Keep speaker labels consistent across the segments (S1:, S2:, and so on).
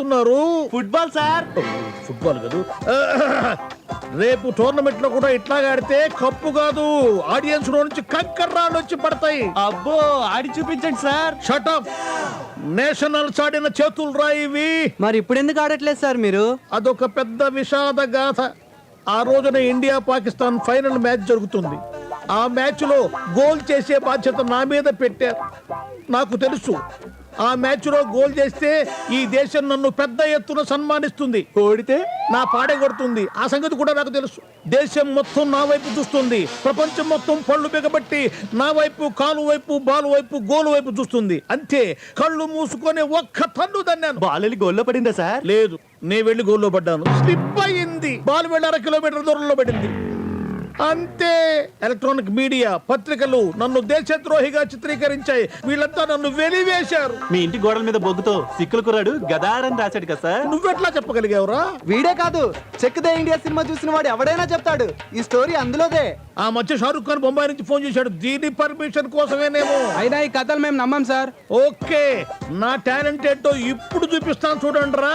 S1: ఆడుతున్నారు?
S2: Football sir.
S1: Football కాదు. రేపు టోర్నమెంట్ లో కూడా ఇట్లాగా ఆడితే కప్పు కాదు, ఆడియన్స్ లో నుంచి కంకర్ రాళ్ళు వచ్చి పడతాయి.
S2: అబ్బో ఆడి చూపించండి సార్.
S1: షటప్. నేషనల్స్ ఆడిన చేతులు రాయివి.
S3: మరి ఇప్పుడు ఎందుకు ఆడట్లేదు సార్ మీరు?
S1: అదొక పెద్ద విషాద గాథ. ఆ రోజున ఇండియా పాకిస్తాన్ ఫైనల్ మ్యాచ్ జరుగుతుంది. ఆ మ్యాచ్ లో గోల్ చేసే బాధ్యత నా మీద పెట్టారు. నాకు తెలుసు ఆ మ్యాచ్ లో గోల్ చేస్తే ఈ దేశం నన్ను పెద్ద ఎత్తున సన్మానిస్తుంది,
S2: ఓడితే
S1: నా పాడే కొడుతుంది. ఆ సంగతి కూడా నాకు తెలుసు. దేశం మొత్తం నా వైపు చూస్తుంది, ప్రపంచం మొత్తం పళ్ళు బిగబట్టి నా వైపు, కాలు వైపు, బాలు వైపు, గోలు వైపు చూస్తుంది. అంతే, కళ్ళు మూసుకొని ఒక్క తన్ను దన్నాను.
S2: బాల్ వెళ్ళి గోల్లో పడిందా సార్?
S1: లేదు, నేను వెళ్ళి గోల్లో పడ్డాను. స్లిప్ అయింది. బాల్ వెళ్ళి 1/2 కిలోమీటర్ దూరంలో పడింది. అంతే. ఎలక్ట్రానిక్ మీడియా, పత్రికలు నన్ను దేశద్రోహిగా చిత్రీకరించాయి. వీళ్ళంతా నన్ను వెలివేశారు.
S2: మీ ఇంటి గోడల మీద బొగ్గుతో సిక్కుల కుర్రాడు గదారని రాశాడు కదా సార్.
S1: నువ్వెట్లా చెప్పగలిగావురా?
S3: వీడే కాదు, చెక్ దే ఇండియా సినిమా చూసిన వాడు ఎవడైనా చెప్తాడు ఈ స్టోరీ అందులోదే.
S1: ఆ మధ్య షారుఖ్ ఖాన్ బొంబాయి నుంచి ఫోన్ చేశాడు. దీని పర్మిషన్ కోసమేనేమో.
S3: అయినా ఈ కథలు మేము నమ్మం సార్.
S1: ఓకే, నా టాలెంట్ ఏంటో ఇప్పుడు చూపిస్తాను చూడండి రా.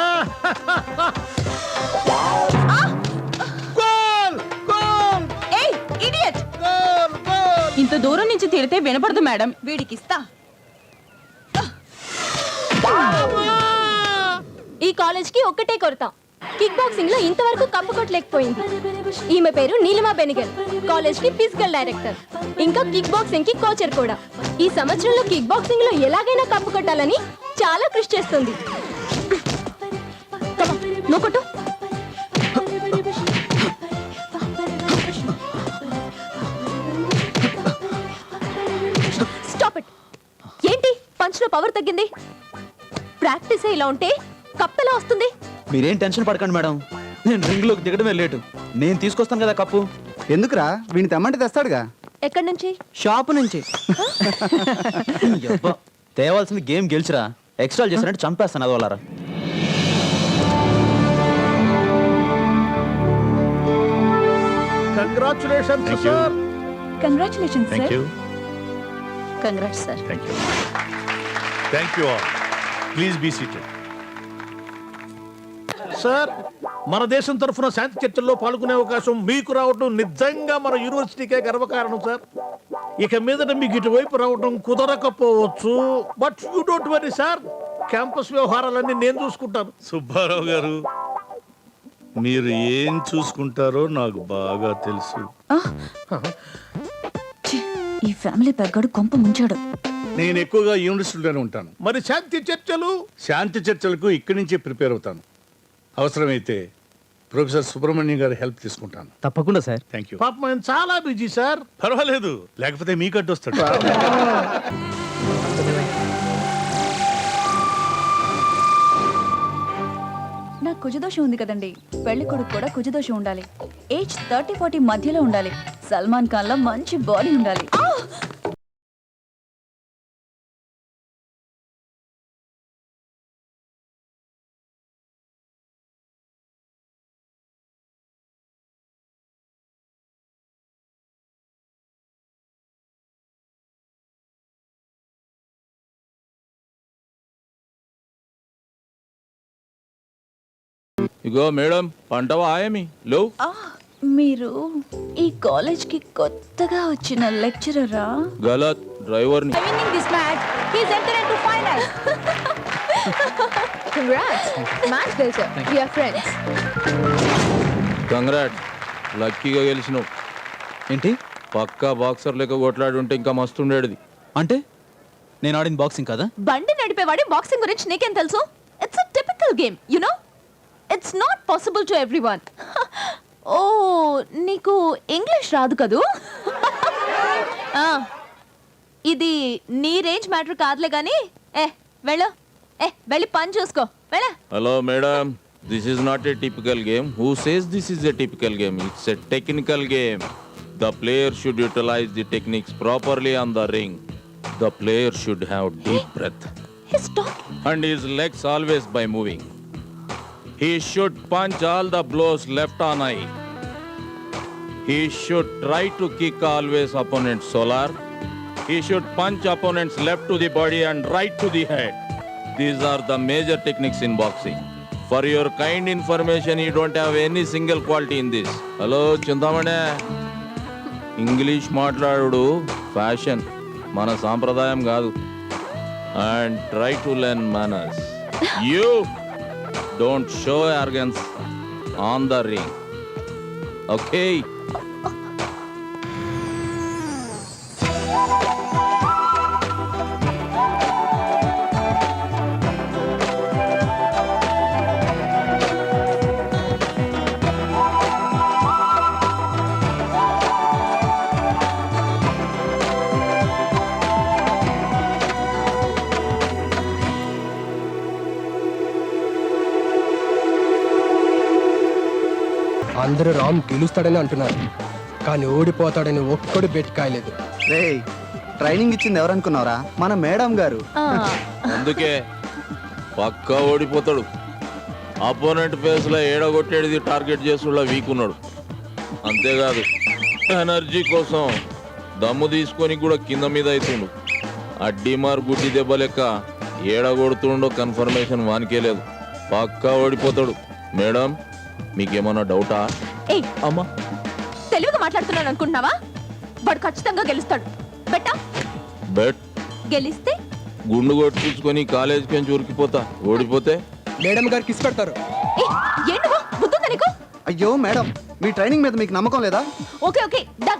S4: ఇంత దూరం నుంచి తిడితే వినపడదు మేడం. వీడికిస్తా. ఈ కాలేజ్ కి ఒక్కటే కొరత, కిక్ బాక్సింగ్ లో ఇంతవరకు కప్పు కొట్టలేకపోయింది. ఈమె పేరు నీలిమా బెనిగల్, కాలేజ్ కి ఫిజికల్ డైరెక్టర్, ఇంకా కిక్ బాక్సింగ్ కి కోచర్ కూడా. ఈ సంవత్సరంలో కిక్ బాక్సింగ్ లో ఎలాగైనా కప్పు కొట్టాలని చాలా కృషి చేస్తుంది. నువ్వు కొట్టు. ఏంటి పంచ్లో పవర్ తగ్గింది? ప్రాక్టీస్ ఇలా ఉంటే కప్ ఎలా వస్తుంది?
S5: మీరేం టెన్షన్ పడకండి మేడం, నేను రింగ్ లోకి దిగడమే లేటు. నేను తీసుకొస్తాను కదా కప్పు.
S3: ఎందుకురా, వీడిని తెమ్మంటే తెస్తాడుగా.
S4: ఎక్కడి నుంచి?
S3: షాపు నుంచి.
S5: యబ్బా, తేవాల్సింది గేమ్ గెలిచిరా. ఎక్స్ట్రా చేసినట్టు చంపేస్తాను అదోలారా.
S1: Congratulations sir.
S4: Congratulations
S6: Thank
S4: sir.
S6: you.
S4: Congrats sir.
S6: Thank you. Thank you all. Please be seated.
S1: Sir, మన దేశం తరఫున శాంతి చర్చల్లో పాల్గొనే అవకాశం మీకు రావడం నిజంగా మన యూనివర్సిటీకే గర్వకారణం సార్. ఇక మీదట మీకు ఇటువైపు రావడం కుదరకపోవచ్చు, but you don't worry sir. Campus వ్యవహారాలన్నీ నేను చూసుకుంటాను.
S6: సుబ్బారావు గారు, మీరు ఏం చూసుకుంటారో నాకు బాగా తెలుసు.
S4: ఈ ఫ్యామిలీ పెద్దడు కొంప ముంచాడు.
S6: నేను ఎక్కువగా యూనివర్సిటీలోనే ఉంటాను.
S1: మరి శాంతి చర్చలు?
S6: శాంతి చర్చలకు ఇక్కడి నుంచే ప్రిపేర్ అవుతాను. అవసరమైతే ప్రొఫెసర్ సుబ్రహ్మణ్యం గారి హెల్ప్ తీసుకుంటాను.
S5: తప్పకుండా సార్.
S6: Thank you.
S1: పాపం ఆయన చాలా బిజీ సార్.
S6: పర్వాలేదు, లేకపోతే మీకు అడ్డొస్తాడు.
S4: నాకు కుజదోషం ఉంది కదండి. పెళ్లి కొడుకు కూడా కుజదోషం ఉండాలి. ఏజ్ 30-40 మధ్యలో ఉండాలి. సల్మాన్ ఖాన్ లా మంచి బాడీ ఉండాలి.
S7: ఇగో మేడం, పంటవా ఆయమి లో.
S4: మీరు ఈ కాలేజ్ కి కొత్తగా వచ్చిన లెక్చరరా?
S7: గలత్, డ్రైవర్ ని. కంగ్రాట్, లక్కీగా గెలిచినావు.
S5: ఏంటి?
S7: పక్కా బాక్సర్ లెక్క కొట్లాడి ఉంటే ఇంకా మస్తు ఉండేది.
S5: అంటే నేను ఆడిన బాక్సింగ్ కదా?
S4: బండి నడిపేవాడి బాక్సింగ్ గురించి నీకేం తెలుసు? It's a typical game, you know. It's not possible to everyone. ఓ, నీకు ఇంగ్లీష్ రాదు కదూ? ఇది నీ రేంజ్ మ్యాటర్ కాదులే గానీ వెళ్ళు, వెళ్ళి పని చూసుకో. వెళ్ళ.
S7: Hello madam, this is not a typical game. Who says this is a typical game? It's a technical game. The player should utilize the techniques properly on the ring. The player should have deep breath and his legs always by moving. He should punch all the blows left on eye. He should try to kick always opponent's solar. He should punch opponent's left to the body and right to the head. These are the major techniques in boxing. For your kind information, you don't have any single quality in this. Hello, Chintamani. English మాట్లాడు fashion, మన సాంప్రదాయం కాదు. And try to learn manners. You don't show arrogance on the ring. Okay?
S8: అందరూ రామ్ గెలుస్తాడని అంటున్నారు, కానీ ఓడిపోతాడని ఒక్కడు bet కాయలేదు.
S3: రే training ఇచ్చింది ఎవరనుకున్నారా? మన మేడం గారు.
S7: అందుకే పక్కా ఓడిపోతాడు. అపోనెంట్ ఫేస్ లో ఏడగొట్టేది టార్గెట్ చేసుకున్న వీక్ ఉన్నాడు. అంతేకాదు ఎనర్జీ కోసం దమ్ము తీసుకొని కూడా కింద మీద అవుతుండు. అడ్డీమార్ గుడ్డి దెబ్బ లెక్క ఏడగొడుతుండో కన్ఫర్మేషన్ వానికే లేదు. పక్కా ఓడిపోతాడు. మేడం మీకేమన్నా డౌటా?
S4: ఏయ్
S7: అమ్మా
S4: తెలుగుగా మాట్లాడుతున్నాను అనుకుంటున్నావా? వాడు ఖచ్చితంగా గెలుస్తాడు. బెట్టా
S7: బెట్
S4: గెలిస్తే
S7: గుండు కొట్టించుకొని కాలేజీకి నుంచి ఉరికిపోతా. ఓడిపోతే
S8: మేడం గారు కిస్ పెడతారు.
S4: ఏంటి బుద్ధుందా నీకు?
S3: అయ్యో మేడం, మీ ట్రైనింగ్ మీద మీకు నమ్మకం లేదా?
S4: Okay okay done.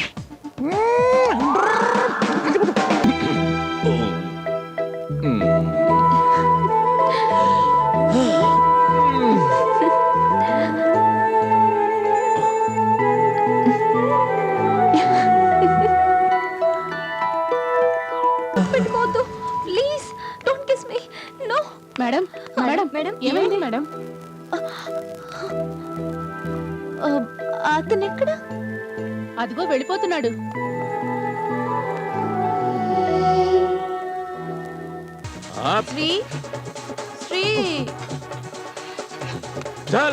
S4: పెట్టుకోవద్దు please, don't kiss me. No madam. Madam madam ఏమైంది మేడం? అతను ఎక్కడ? అదిగో వెళ్ళిపోతున్నాడు. శ్రీ శ్రీ
S7: చల్.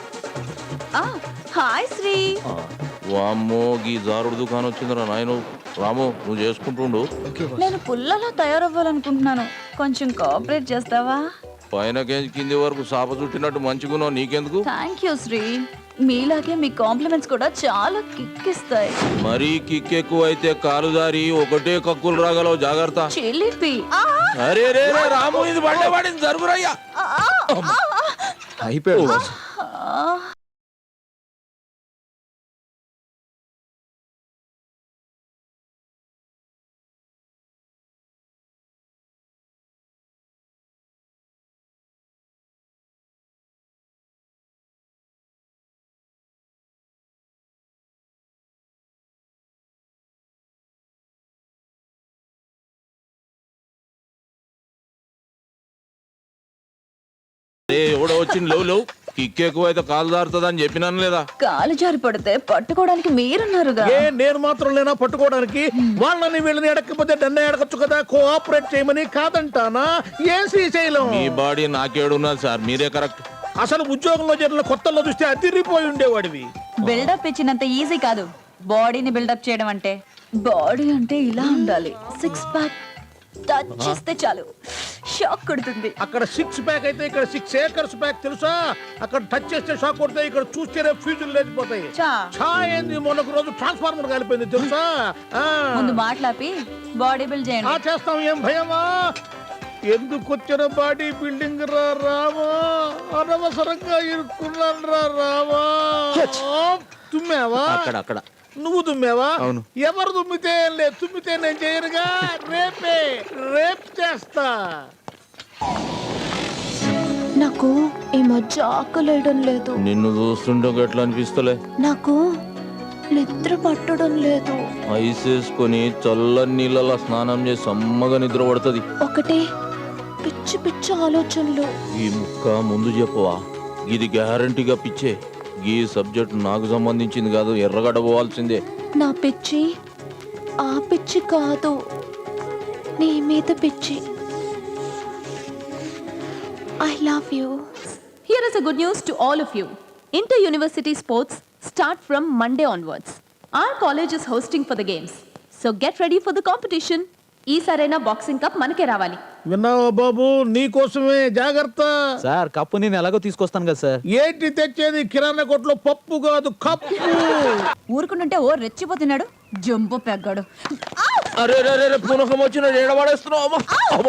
S4: హాయ్ శ్రీ.
S7: వామ్మో గీ జారుడు దుకాణం వచ్చిందిరా నాయను. రాము నువ్వు చేసుకుంటుండు.
S9: నేను పుల్లలో తయారవ్వాలనుకుంటున్నాను, కొంచెం కోఆపరేట్ చేస్తావా?
S7: పైన కేజీ కింది వరకు సాప చుట్టినట్టు మంచిగున్నావు. నీకెందుకు?
S9: Thank you Sri. మీలాగే మీ కాంప్లిమెంట్స్ కూడా చాలా కిక్కిస్తాయి.
S7: మరీ కిక్ ఎక్కువ అయితే కాలు జారి ఒకటే కక్కులు రాగలవు. జాగ్రత్త.
S9: చిలిపి.
S7: అరే రే రే రాము, ఇది బండే పడింది, జరుగురయ్యా.
S3: అయిపోయాడు.
S7: ఎవడో వచ్చింది లేవు లేవు. కిక్ ఎక్కువ అయితే కాలు జారుతుంది అని చెప్పినాను లేదా?
S9: కాలు జారి పడితే పట్టుకోవడానికి మీరున్నారుగా.
S1: ఏ నేను మాత్రం లేనా పట్టుకోవడానికి? వాళ్ళని వీళ్ళని ఎడకపోతే డన్న ఎడకచ్చు కదా. కోఆపరేట్ చేయమని కాదంటానా? ఏ శ్రీశైలం
S7: మీ బాడీ నాకేడున్నది సార్, మీరే కరెక్ట్.
S1: అసలు ఉద్యోగంలో చేరిన కొత్తల్లో చూస్తే అదిరిపోయి ఉండేవాడివి.
S9: బిల్డప్ ఇచ్చినంత ఈజీ కాదు బాడీని బిల్డప్ చేయడం అంటే. బాడీ అంటే ఇలా ఉండాలి. సిక్స్ ప్యాక్ టచ్ చేస్తే చాలు షాక్ కొడుతుంది.
S1: అక్కడ 6 ప్యాక్ అయితే ఇక్కడ 6 ఏకర్స్ ప్యాక్ తెలుసా? అక్కడ టచ్ చేస్తే షాక్ కొడతాయి, ఇక్కడ చూస్తేనే ఫ్యూజులు లేచిపోతాయి. చా ఏంది మొన్నొక రోజు ట్రాన్స్ఫార్మర్ కాలిపోయింది తెలుసా?
S9: ముందు మాట్లాపి బాడీ బిల్డ్ చేయండి.
S1: చేస్తాం. ఏం భయమా? ఎందుకు వచ్చిన బాడీ బిల్డింగ్ రా రామా? అనవసరంగా ఇరుక్కున్నాను రా రామా. తుమ్మావా?
S7: అక్కడ
S1: నువ్వు తుమ్మావా?
S3: అవును.
S1: ఎవరు తుమ్మితే లేదు, తుమ్మితే నేను చేయనుగా. రేప్ చేస్తా.
S4: నాకు ఈ మధ్య ఆకలేయడం లేదు.
S7: నిన్ను చూస్తుంటే ఎట్లా అనిపిస్తలే?
S4: నాకు నిద్ర పట్టడం లేదు.
S7: ఐస్ వేసుకొని చల్లని నీళ్ళలో స్నానం చేసి సమ్మగా నిద్ర పడుతుంది.
S4: ఒకటే పిచ్చి పిచ్చి ఆలోచనలు.
S7: ఈ ముక్క ముందు చెప్పవా? ఇది గ్యారంటీగా పిచ్చే. ఈ సబ్జెక్ట్ నాకు సంబంధించింది కాదు, ఎర్రగడ్డ పోవాల్సిందే.
S4: నా పిచ్చి ఆ పిచ్చి కాదు, నీ మీద పిచ్చి. I love you. Here is a good news to all of you. Inter-university sports start from Monday onwards. Our college is hosting for the games. So get ready for the competition.
S9: ఈసారైనా boxing cup మనకే రావాలి.
S1: విన్నావా బాబు, నీకోసమే జాగ్రత్త.
S5: Sir cup నేను ఎలాగో తీసుకొస్తాను కదా సార్.
S1: ఏంటి తెచ్చేది? కిరాణా కొట్లో పప్పు కాదు, కప్పు.
S9: ఊరుకుంటుంటే ఓ రెచ్చిపోతున్నాడు, జంబో పెగ్గాడు.
S7: అరే పునకం వచ్చిన ఏడబడేస్తున్నావు.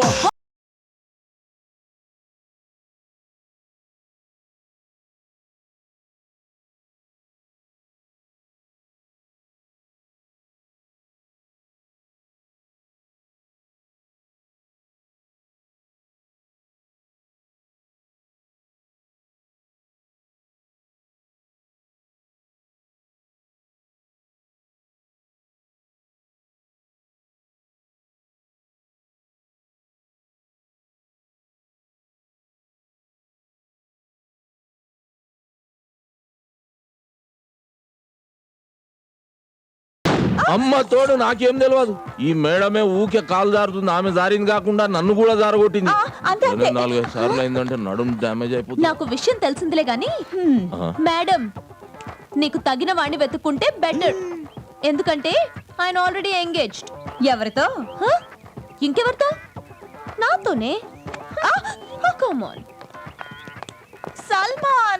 S7: అమ్మ తోడు నాకేం తెలియదు. ఈ మేడమే ఊకే కాలు జారుతుంది. ఆమె జారింది కాకుండా నన్ను కూడా జారగొట్టింది.
S9: అంతే, అంతే.
S7: 4-5 సార్లు అయిందంటే నడుము డ్యామేజ్ అయిపోతుంది.
S9: నాకు విషయం తెలిసిందిలే గాని మేడం, నీకు తగిన వాడిని వెతుక్కుంటే బెటర్. ఎందుకంటే ఆయన ఆల్రెడీ ఎంగేజ్డ్. ఎవరితో? ఇంకెవరితో? నాతోనే. Come on Salman.